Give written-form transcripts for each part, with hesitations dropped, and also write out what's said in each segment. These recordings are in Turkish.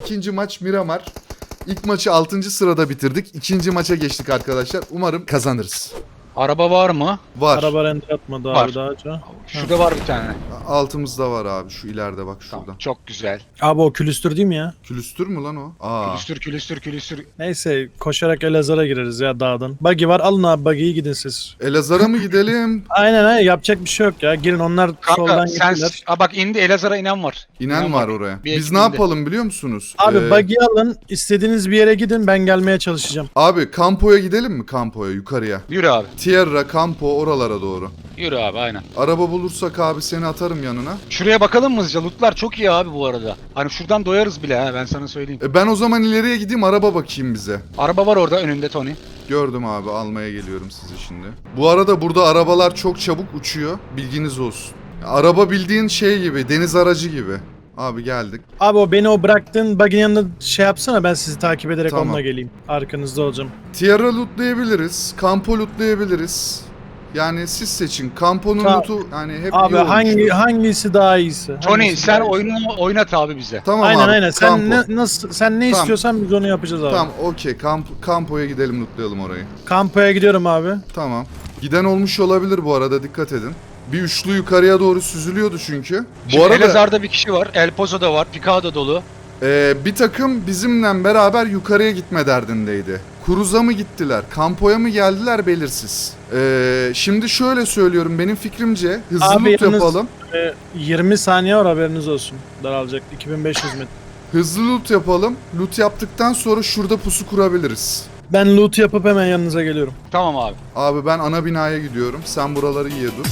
İkinci maç Miramar. İlk maçı 6. sırada bitirdik. İkinci maça geçtik arkadaşlar. Umarım kazanırız. Araba var mı? Var. Araba render atmadı Var. abi daha önce. Şurada var bir tane. Altımızda var abi. Şu ileride bak şurada. Tamam, çok güzel. Abi o külüstür değil mi ya? Külüstür mü lan o? Aa. Külüstür. Neyse koşarak Elazığ'a gireriz ya dağdan. Buggy var, alın abi buggy'yi gidin siz. Elazığ'a mı gidelim? Aynen yapacak bir şey yok ya. Girin onlar soldan Kanka sen... gittiler. Aa, bak indi, Elazığ'a inen var. İnen var oraya. Bir Biz ekip ne indi. yapalım biliyor musunuz? Abi buggy'yi alın, istediğiniz bir yere gidin, ben gelmeye çalışacağım. Abi Campo'ya gidelim mi? Campo'ya yukarıya. Yürü abi. Tierra, Campo oralara doğru. Yürü abi aynen. Araba bulursak abi seni atarım yanına. Şuraya bakalım mı hızlıca? Lootlar çok iyi abi bu arada. Hani şuradan doyarız bile ha, ben sana söyleyeyim. Ben o zaman ileriye gideyim araba bakayım bize. Araba var orada önünde Tony. Gördüm abi, almaya geliyorum sizi şimdi. Bu arada burada arabalar çok çabuk uçuyor. Bilginiz olsun. Araba bildiğin şey gibi, deniz aracı gibi. Abi geldik. Abi o beni bıraktığın buggy'nin yanında şey yapsana, ben sizi takip ederek Tamam. onunla geleyim. Arkanızda olacağım. Tierra lootlayabiliriz. Campo lootlayabiliriz. Yani siz seçin. Campo'nun Tamam. lootu yani hep Abi iyi olmuş. hangisi daha iyisi? Tony Hangisi sen daha iyisi? oyunu oynat abi bize. Tamam Aynen abi. aynen. Sen Campo. sen ne Tamam. istiyorsan biz onu yapacağız abi. Tamam okey. Campo'ya gidelim, lootlayalım orayı. Kampoya gidiyorum abi. Tamam. Giden olmuş olabilir bu arada, dikkat edin. Bir üçlü yukarıya doğru süzülüyordu çünkü. Şimdi Bu arada Elazığ'da bir kişi var. El Pozo'da var. Picado dolu. bir takım bizimle beraber yukarıya gitme derdindeydi. Cruz'a mı gittiler, Campo'ya mı geldiler belirsiz. Şimdi şöyle söylüyorum, benim fikrimce hızlı Abi loot yalnız- yapalım. 20 saniye var, haberiniz olsun. Daralacak 2500 metre. Hızlı loot yapalım. Loot yaptıktan sonra şurada pusu kurabiliriz. Ben loot yapıp hemen yanınıza geliyorum. Tamam abi. Abi ben ana binaya gidiyorum. Sen buraları iyi dur.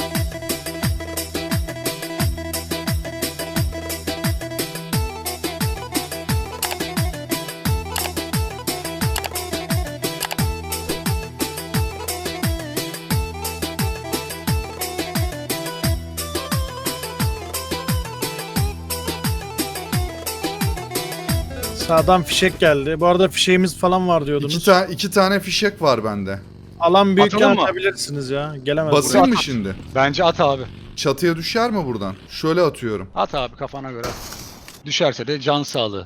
Sağdan fişek geldi. Bu arada fişeğimiz falan var diyordunuz. İki tane fişek var bende. Alan büyükken Atalım mı? atabilirsiniz ya. Gelemez Basayım buraya. mı şimdi? Bence at abi. Çatıya düşer mi buradan? Şöyle atıyorum. At abi kafana göre. Düşerse de can sağlığı.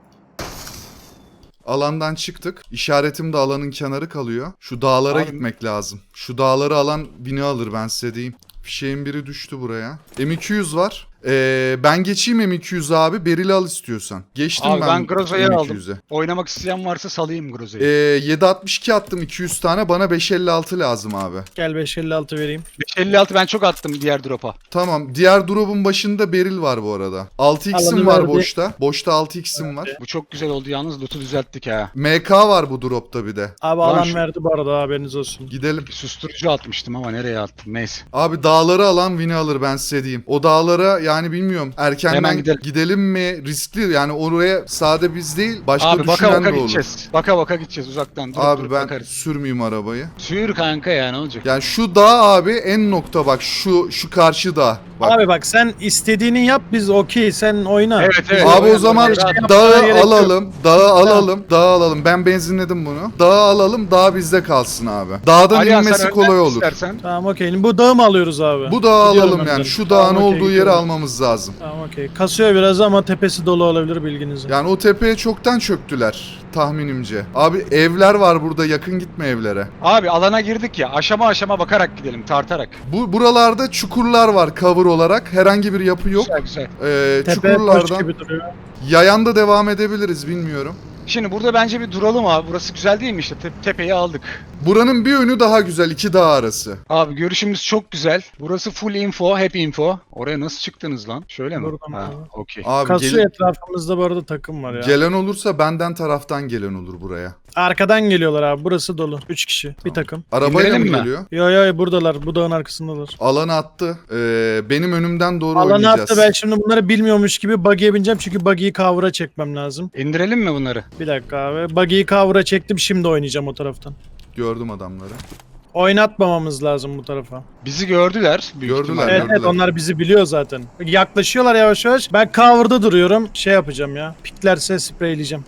Alandan çıktık. İşaretim de alanın kenarı kalıyor. Şu dağlara Abi- gitmek lazım. Şu dağları alan bini alır, ben size diyeyim. Fişeğin biri düştü buraya. M200 var. Ben geçeyim M200 abi. Beril'i al istiyorsan. Geçtim Abi ben Groza'yı aldım. M200'e. Oynamak isteyen varsa salayım Groza'yı. 7.62 attım 200 tane. Bana 5.56 lazım abi. Gel 556 vereyim. 556 ben çok attım diğer drop'a. Tamam. Diğer drop'un başında Beril var bu arada. 6x'im Alanı var verdi. boşta. Boşta 6x'im var. Bu çok güzel oldu yalnız, loot'u düzelttik ha. MK var bu drop'ta bir de. Abi Lan alan şu- verdi bu arada, haberiniz olsun. Gidelim. Susturucu atmıştım ama nereye attım, neyse. Abi dağları alan win'i alır, ben size diyeyim. O dağlara yani bilmiyorum erkenden Hemen gidelim mi, riskli yani, oraya sade biz değil başka Abi baka düşünen baka de olur. gideceğiz. Baka baka gideceğiz uzaktan. Durup Abi durup ben bakarız. sürmeyeyim arabayı. Sür kanka ya, ne olacak? Yani şu dağ abi en nokta, bak şu karşı dağ. Bak. Abi bak sen istediğini yap, biz okey, sen oyna. Evet, evet. Abi o Oyna, zaman oyna, rahat. yapmana dağı gerek yok. alalım, dağı alalım, dağı alalım. Ben benzinledim bunu. Dağı alalım, dağ bizde kalsın abi. Dağdan Alihan, inmesi sen kolay önden olur. istersen. Tamam okey. Bu dağı mı alıyoruz abi? Bu dağı Gidiyorum alalım yani. önden. Şu Tamam, dağın okey, olduğu yeri gidiyorum. almamız lazım. Tamam okey. Kasıyor biraz ama tepesi dolu olabilir, bilginize. Yani o tepeye çoktan çöktüler tahminimce. Abi evler var burada, yakın gitme evlere. Abi alana girdik ya, aşama aşama bakarak gidelim, tartarak. Buralarda çukurlar var cover olarak. Herhangi bir yapı yok. Güzel güzel. Tepe boş Çukurlardan gibi duruyor. yayan da devam edebiliriz, bilmiyorum. Şimdi burada bence bir duralım abi. Burası güzel değil mi işte? Tepeyi aldık. Buranın bir yönü daha güzel, iki dağ arası. Abi görüşümüz çok güzel. Burası full info, hep info. Oraya nasıl çıktınız lan? Şöyle mi? Buradan Ha, abi. okey. Abi Kasıyor, etrafımızda bu arada takım var ya. gelen olursa benden taraftan gelen olur buraya. Arkadan geliyorlar abi, burası dolu. 3 kişi, bir takım. Arabayla mı İndirelim mi? geliyor? Yo buradalar, bu dağın arkasındalar. Alanı attı. Benim önümden doğru Alanı oynayacağız. attı, ben şimdi bunları bilmiyormuş gibi buggy'e bineceğim çünkü buggy'yi cover'a çekmem lazım. İndirelim mi bunları? Bir dakika abi, buggy'yi cover'a çektim, şimdi oynayacağım o taraftan. Gördüm adamları. Oynatmamamız lazım bu tarafa. Bizi gördüler. Büyük Gördüler. ihtimalle. Evet, evet, onlar bizi biliyor zaten. Yaklaşıyorlar yavaş yavaş. Ben cover'da duruyorum. Şey yapacağım ya. Piklerse spreyleyeceğim.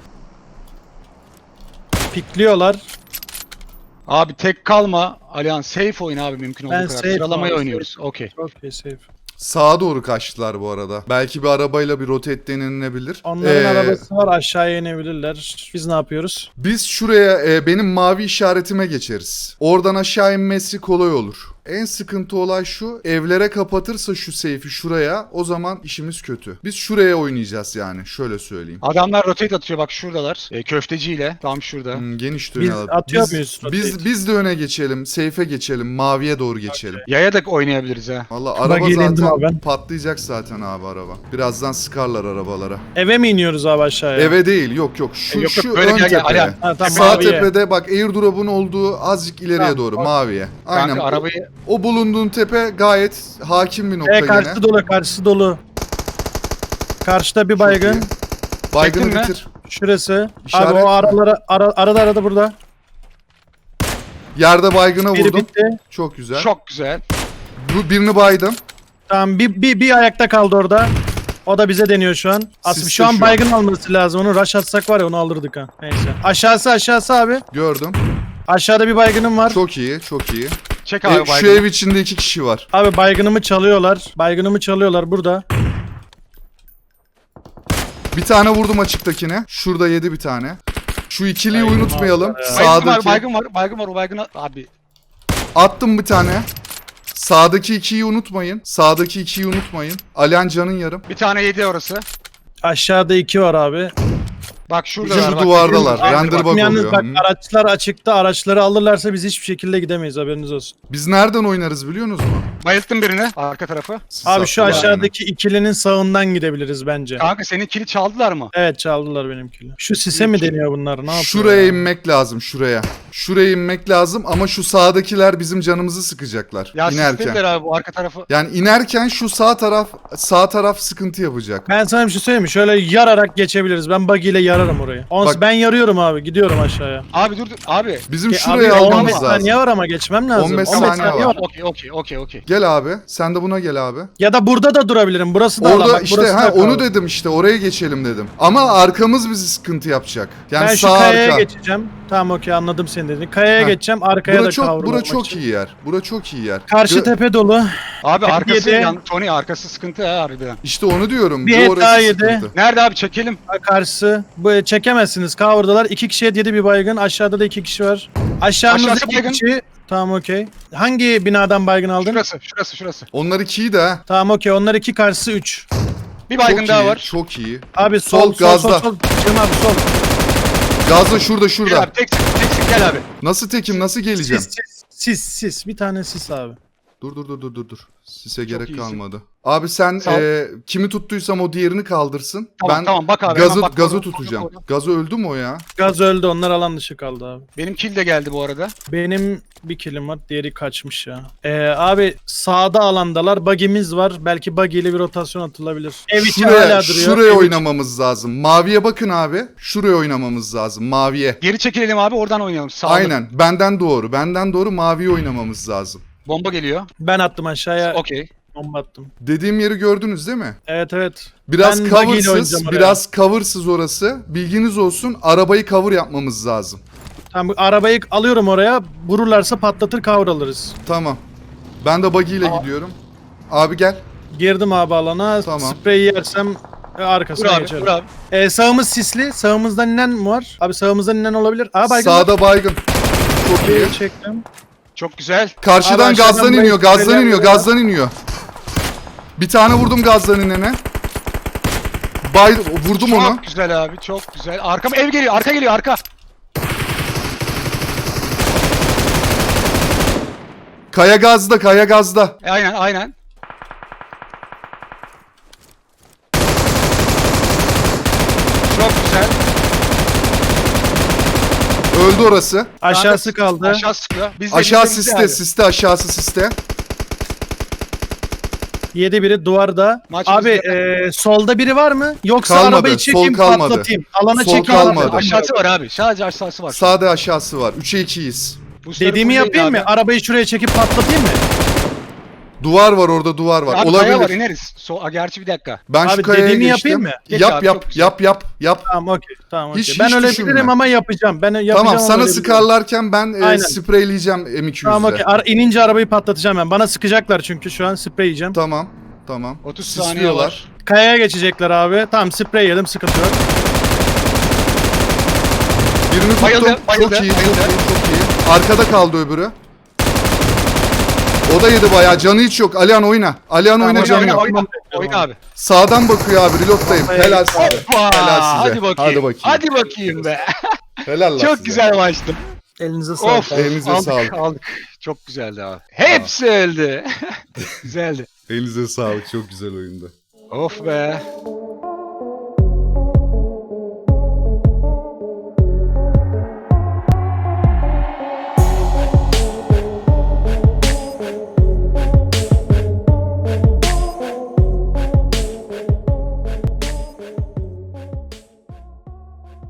Pikliyorlar. Abi tek kalma. Alihan safe oyun abi, mümkün olduğu Ben kadar. safe Sıralamayı abi, oynuyoruz. Okey. Okay, safe. Sağa doğru kaçtılar bu arada. Belki bir arabayla bir rotate denilebilir. Onların arabası var, aşağıya inebilirler. Biz ne yapıyoruz? Biz şuraya benim mavi işaretime geçeriz. Oradan aşağı inmesi kolay olur. En sıkıntı olay şu. Evlere kapatırsa şu seyfi şuraya, o zaman işimiz kötü. Biz şuraya oynayacağız yani. Şöyle söyleyeyim. Adamlar rotate atıyor bak şuradalar. Köfteciyle tam şurada. Geniş Biz dönelim. atıyor muyuz rotate? Biz de öne geçelim. Seyfe geçelim. Maviye doğru geçelim. Yaya da oynayabiliriz ha. Valla Bak, araba eğlendim zaten abi ben. patlayacak zaten abi araba. Birazdan sıkarlar arabalara. Eve mi iniyoruz abi aşağıya? Eve değil, yok. Şu, Yok, şu böyle ön gel, gel, tepeye. Ali. Ha, tamam, Sağ maviye. tepede bak airdrop'un olduğu azıcık ileriye Tamam, doğru bak. maviye. Aynen. Kanka arabayı O bulunduğun tepe gayet hakim bir nokta Karşısı yine. dolu, karşısı dolu. Karşıda bir baygın. iyi. Baygını Çektin mi? bitir. Şurası. İşaret Abi o mi? arada burada. Yerde baygına Biri vurdum. bitti. Çok güzel. çok güzel. Bu birini baydım. Tamam bir ayakta kaldı orada. O da bize deniyor şu an. Aslında Siste şu an şu an. baygın alması lazım. Onu rush atsak var ya onu alırdık ha. Neyse. Aşağısı abi. Gördüm. Aşağıda bir baygınım var. Çok iyi, çok iyi. Çek abi Şu baygını. ev içinde 2 kişi var. Abi baygınımı çalıyorlar burada. Bir tane vurdum açıktakine. Şurada yedi bir tane. Şu ikiliyi Baygın unutmayalım. var ya. Sağdaki. Baygın var o baygını abi. Attım bir tane. Sağdaki ikiyi unutmayın. Sağdaki ikiyi unutmayın. Alihan canın yarım. Bir tane yedi orası. Aşağıda 2 var abi. Bak şurada Şu duvardalar. Abi, Render bak. bug Yalnız oluyor. bak Hı. araçlar açıkta. Araçları alırlarsa biz hiçbir şekilde gidemeyiz, haberiniz olsun. Biz nereden oynarız biliyor musunuz mu? Bayılttım birini arka tarafı. Siz Abi şu atlayın. aşağıdaki ikilinin sağından gidebiliriz bence. Kanka senin kili çaldılar mı? Evet çaldılar benimkini. Şu sise mi deniyor bunlar? Ne yapıyor? Şuraya ya? inmek lazım şuraya. Şuraya inmek lazım ama şu sağdakiler bizim canımızı sıkacaklar Ya inerken. sistediler abi bu arka tarafı. Yani inerken şu sağ taraf sıkıntı yapacak. Ben sana bir şey söyleyeyim mi? Şöyle yararak geçebiliriz. Ben buggy ile yararım orayı. Bak- Ben yarıyorum abi. Gidiyorum aşağıya. Abi dur abi. Bizim Abi şuraya 15 almamız lazım. saniye var ama geçmem lazım. 15 saniye var. Okey. Gel abi. Sen de buna gel abi. Ya da burada da durabilirim. Burası da alan. Orada Bak, işte burası da onu alan. dedim işte oraya geçelim dedim. Ama arkamız bizi sıkıntı yapacak. Yani Ben şu sağ kayaya arka. geçeceğim. Tamam okey anladım seni dediğini. Kayaya Heh. geçeceğim. Arkaya Bura da çok kavrulmak çok için. iyi yer. Bura çok iyi yer. Karşı tepe dolu. Abi arkası Yedi. Tony arkası sıkıntı ha harbiden. İşte onu diyorum. Bir Bu et orası daha yedi. sıkıntı. Nerede abi çekelim. Karşısı. Bu çekemezsiniz. Cover'dalar. 2 kişiye 7 bir baygın. Aşağıda da 2 kişi var. Aşağımızda Aşağısı 2 baygın. kişi. Tamam okey. Hangi binadan baygın aldın? Şurası. Onlar ikiyi de ha. Tamam okey. Onlar 2 karşısı 3. Bir baygın Çok daha iyi, var. çok iyi. Abi Sol, gazda. sol. Cem abi sol. Gazla şurada Gel şurada. abi teksin gel abi. Nasıl tekim nasıl geleceğim? Sis. Bir tane sis abi. Dur. Sise gerek iyisin. kalmadı. Abi sen Sağ ol. kimi tuttuysam o diğerini kaldırsın. Tamam bak abi. hemen bak, Gazı orada, tutacağım. orada. Gazı öldü mü o ya? Gaz öldü. Onlar alan dışı kaldı abi. Benim kill de geldi bu arada. Benim bir killim var. Diğeri kaçmış ya. Abi sağda alandalar. Buggy'miz var. Belki buggy ile bir rotasyon atılabilir. Ev içi hala duruyor. Şuraya Ev içi- oynamamız lazım. Maviye bakın abi. Şuraya oynamamız lazım. Maviye. Geri çekilelim abi oradan oynayalım. Sağlı. Aynen. Benden doğru. Maviye oynamamız lazım. Bomba geliyor. Ben attım aşağıya. Okey. Bomba attım. Dediğim yeri gördünüz değil mi? Evet. Biraz Ben buggy ile cover'sız, oynayacağım oraya. biraz cover'sız orası. Bilginiz olsun. Arabayı cover yapmamız lazım. Tamam bu arabayı alıyorum oraya. Vururlarsa patlatır kavralırız. Tamam. Ben de buggy ile gidiyorum. Abi gel. Girdim abi alana. Tamam. Spreyi yersem Dur arkasına abi geçerim. dur abi. Sağımız sisli. Sağımızdan inen mi var? Abi sağımızdan inen olabilir. Aa baygın. Sağda baygın. Çok iyi. Bir çektim. Çok güzel. Karşıdan Abi aşağıdan gazdan iniyor, buraya gazdan iniyor, geliyor. gazdan iniyor. Bir tane vurdum gazdan inene. Vurdum onu. Çok güzel abi çok güzel. Arkam ev geliyor arka. Kaya gazda. Aynen. Çok güzel. Öldü orası. Aşağısı kaldı. Aşağı sıkıyor. Biz de Aşağı biz de siste, abi. siste, aşağısı siste. 7 biri duvarda. Maç Abi bizde. solda biri var mı? Yoksa Kalmadı, arabayı çekeyim sol kalmadı. patlatayım. Alana Sol çekeyim. kalmadı. Aşağısı var abi. Sadece aşağısı var. Sağda aşağısı var. 3'e 2'yiz. Boostları Dediğimi fullleyin yapayım abi. mı? Arabayı şuraya çekip patlatayım mı? Duvar var orada, duvar var. Abi Olabilir. kaya var ineriz. Gerçi bir dakika. Ben şu Abi kayaya dediğimi geçtim. yapayım mı? Geç Yap abi, yap çok güzel. yap. Tamam okey. Tamam okey. Hiç Ben öyle düşünme. bilirim ama yapacağım. Ben yapacağım Tamam ama sana öyle bilirim. sıkarlarken ben Aynen. spreyleyeceğim M200'le. Tamam okey. İnince arabayı patlatacağım ben. Bana sıkacaklar çünkü şu an sprey yiyeceğim. Tamam. Tamam. 30 saniye Sisliyorlar. var. Kayaya geçecekler abi. Tamam sprey yedim sıkıntı yok. Birini tuttum. Bayıldı, bayıldı, Çok iyi, bayıldı. çok iyi. Arkada kaldı öbürü. O da yedi bayağı. Canı hiç yok. Alihan oyna. Alihan oyna, canı yok. Oyna abi. Sağdan bakıyor abi. Reload'dayım. Helal size. Hoppa! Helal size. Hadi bakayım. Hadi bakayım. Hadi bakayım be. Helal lan Çok size. güzel maçtı. Elinize sağlık. Of. Elinize aldık, sağlık. aldık. Çok güzeldi abi. Hepsi öldü. Güzeldi. Elinize sağlık. Çok güzel oyundu. Of be.